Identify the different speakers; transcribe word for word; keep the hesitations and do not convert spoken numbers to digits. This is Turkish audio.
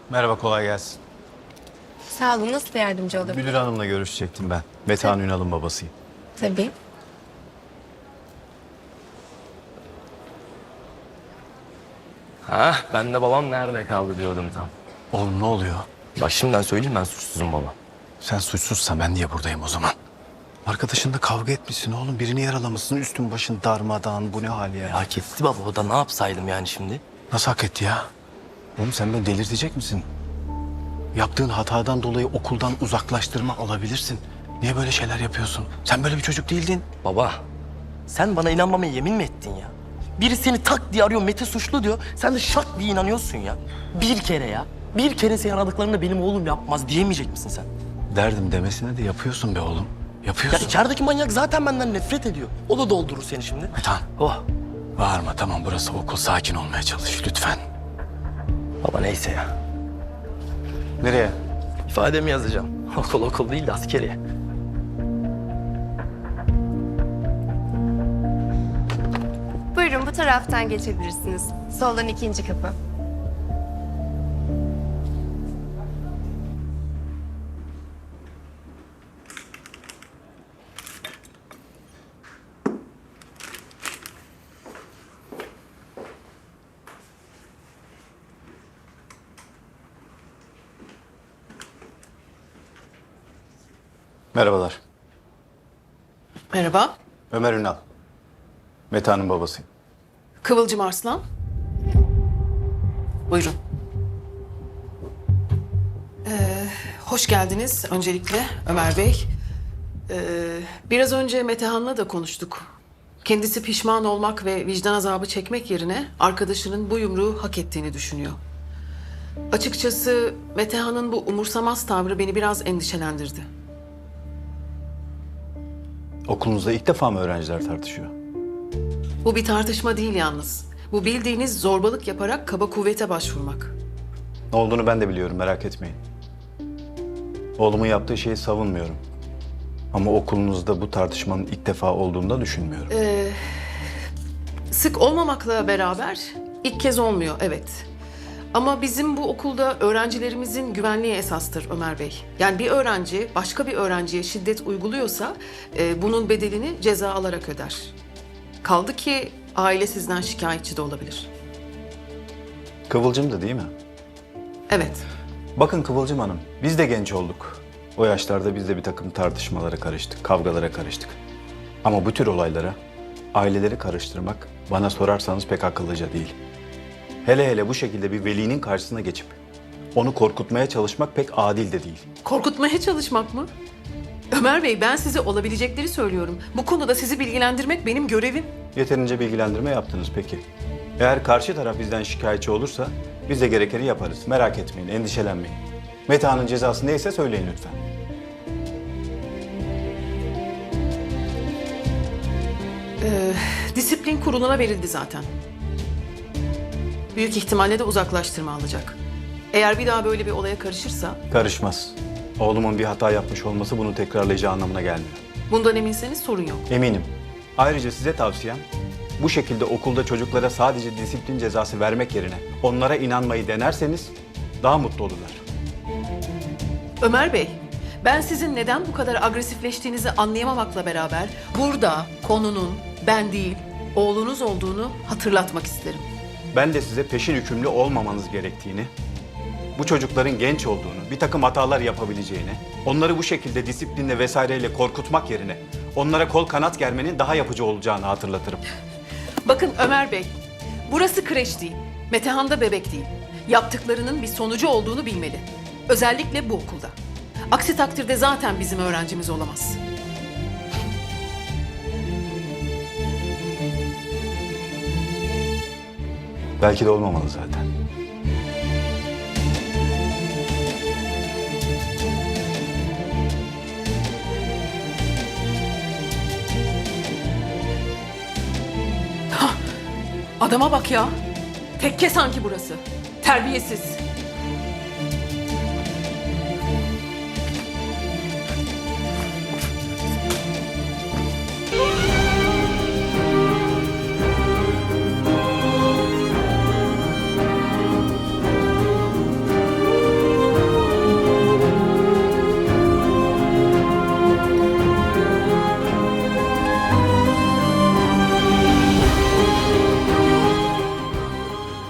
Speaker 1: Merhaba, kolay gelsin.
Speaker 2: Sağ olun. Nasıl yardımcı olabilirim?
Speaker 1: Müdür hanımla görüşecektim ben. Metehan Ünal'ın babasıyım.
Speaker 2: Tabii.
Speaker 3: Ha, ben de babam nerede kaldı diyordum tam.
Speaker 1: Oğlum ne oluyor?
Speaker 3: Bak şimdiden söyleyeyim, ben suçsuzum baba.
Speaker 1: Sen suçsuzsan ben niye buradayım o zaman? Arkadaşınla kavga etmişsin oğlum. Birini yaralamışsın. Üstün başın darmadağın. Bu ne hal ya?
Speaker 3: Hak etti baba, o da ne yapsaydım yani şimdi?
Speaker 1: Nasıl hak etti ya? Oğlum sen beni delirtecek misin? Yaptığın hatadan dolayı okuldan uzaklaştırma alabilirsin. Niye böyle şeyler yapıyorsun? Sen böyle bir çocuk değildin.
Speaker 3: Baba, sen bana inanmamaya yemin mi ettin ya? Biri seni tak diye arıyor, Mete suçlu diyor. Sen de şak diye inanıyorsun ya. Bir kere ya. Bir kere seni aradıklarında benim oğlum yapmaz diyemeyecek misin sen?
Speaker 1: Derdim demesine de yapıyorsun be oğlum.
Speaker 3: Ya
Speaker 1: Yapıyorsun.
Speaker 3: içerideki manyak zaten benden nefret ediyor. O da doldurur seni şimdi.
Speaker 1: Metehan,
Speaker 3: Oh.
Speaker 1: bağırma tamam, burası okul. Sakin olmaya çalış lütfen.
Speaker 3: Baba neyse ya.
Speaker 1: Nereye?
Speaker 3: İfademi yazacağım. Okul okul değil de askeriye.
Speaker 2: Buyurun bu taraftan geçebilirsiniz. Soldan ikinci kapı.
Speaker 1: Merhabalar.
Speaker 4: Merhaba,
Speaker 1: Ömer Ünal. Metehan'ın babasıyım.
Speaker 4: Kıvılcım Arslan. Buyurun. Ee, hoş geldiniz öncelikle Ömer Bey. Ee, biraz önce Metehan'la da konuştuk. Kendisi pişman olmak ve vicdan azabı çekmek yerine arkadaşının bu yumruğu hak ettiğini düşünüyor. Açıkçası Metehan'ın bu umursamaz tavrı beni biraz endişelendirdi.
Speaker 1: Okulunuzda ilk defa mı öğrenciler tartışıyor?
Speaker 4: Bu bir tartışma değil yalnız. Bu bildiğiniz zorbalık yaparak kaba kuvvete başvurmak.
Speaker 1: Ne olduğunu ben de biliyorum, merak etmeyin. Oğlumun yaptığı şeyi savunmuyorum. Ama okulunuzda bu tartışmanın ilk defa olduğunu da düşünmüyorum.
Speaker 4: Sık olmamakla beraber ilk kez olmuyor, evet. Ama bizim bu okulda öğrencilerimizin güvenliği esastır Ömer Bey. Yani bir öğrenci başka bir öğrenciye şiddet uyguluyorsa e, bunun bedelini ceza alarak öder. Kaldı ki aile sizden şikayetçi de olabilir.
Speaker 1: Kıvılcım da değil mi?
Speaker 4: Evet.
Speaker 1: Bakın Kıvılcım Hanım, biz de genç olduk. O yaşlarda biz de bir takım tartışmalara karıştık, kavgalara karıştık. Ama bu tür olaylara aileleri karıştırmak bana sorarsanız pek akıllıca değil. Hele hele bu şekilde bir velinin karşısına geçip onu korkutmaya çalışmak pek adil de değil.
Speaker 4: Korkutmaya çalışmak mı? Ömer Bey, ben size olabilecekleri söylüyorum. Bu konuda sizi bilgilendirmek benim görevim.
Speaker 1: Yeterince bilgilendirme yaptınız peki. Eğer karşı taraf bizden şikayetçi olursa biz de gerekeni yaparız. Merak etmeyin, endişelenmeyin. Metehan'ın cezası neyse söyleyin lütfen.
Speaker 4: Disiplin kuruluna verildi zaten. Büyük ihtimalle de uzaklaştırma alacak. Eğer bir daha böyle bir olaya karışırsa,
Speaker 1: Karışmaz. Oğlumun bir hata yapmış olması bunu tekrarlayacağı anlamına gelmiyor.
Speaker 4: bundan eminseniz sorun yok.
Speaker 1: Eminim. Ayrıca size tavsiyem bu şekilde okulda çocuklara sadece disiplin cezası vermek yerine onlara inanmayı denerseniz daha mutlu olurlar.
Speaker 4: Ömer Bey, ben sizin neden bu kadar agresifleştiğinizi anlayamamakla beraber burada konunun ben değil, oğlunuz olduğunu hatırlatmak isterim.
Speaker 1: Ben de size peşin hükümlü olmamanız gerektiğini, bu çocukların genç olduğunu, bir takım hatalar yapabileceğini, onları bu şekilde disiplinle vesaireyle korkutmak yerine onlara kol kanat germenin daha yapıcı olacağını hatırlatırım.
Speaker 4: Bakın Ömer Bey, burası kreş değil, Metehan da bebek değil. Yaptıklarının bir sonucu olduğunu bilmeli. Özellikle bu okulda. Aksi takdirde zaten bizim öğrencimiz olamaz.
Speaker 1: Belki de olmamalı zaten.
Speaker 4: Adama bak ya. Tekke sanki burası. Terbiyesiz.